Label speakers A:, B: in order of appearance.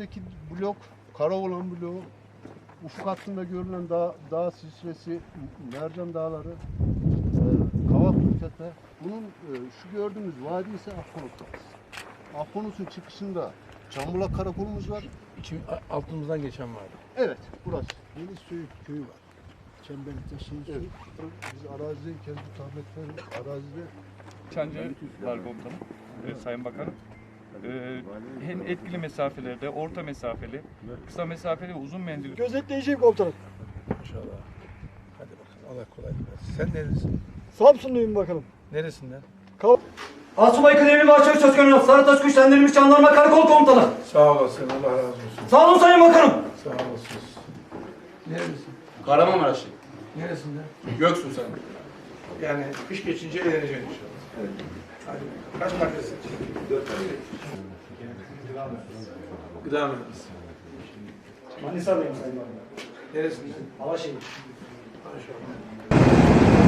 A: ilerideki blok Karaoğlan bloğu, ufuk hattında görülen dağ silsilesi, Mercan Dağları, Kavaklı Tepe. Bunun şu gördüğümüz vadi ise Akkonut Vadisi. Akkonut'un çıkışında Çambulak Karakolumuz var.
B: Altımızdan geçen var.
A: Evet, burası.
C: Deniz Söğüt köyü var. Çemberlik'te
A: Evet. Biz arazideyken bu tabletler arazide
D: Çancı var komutanım, Sayın Bakanım. Hem etkili mesafelerde, orta mesafeli, kısa mesafeli ve uzun menzilli.
E: Gözetleyeceğim komutanım.
B: İnşallah. Hadi bakalım. Allah kolaylık versin. Sen neresin?
E: Samsunluyum bakalım.
B: Neresinden?
E: Asubay Kıdemli Bahçeli Söz Konusu Sarıtaş Güçlendirilmiş Jandarma Karakol Komutanı.
B: Sağ olasın. Allah razı olsun.
E: Sağ olun Sayın Bakanım.
B: Sağ olasın. Neresin?
F: Kahramanmaraşlı.
B: Neresinden?
F: Göksu sen.
B: Yani kış geçince eğleneceksin inşallah. Evet. Hadi. Kaç markasın? 4 tane. Gıda mühendisi.
E: Manisa'dayım Sayın Bakanım.
B: Neresinden?
E: Alaşehir.
B: Maşallah.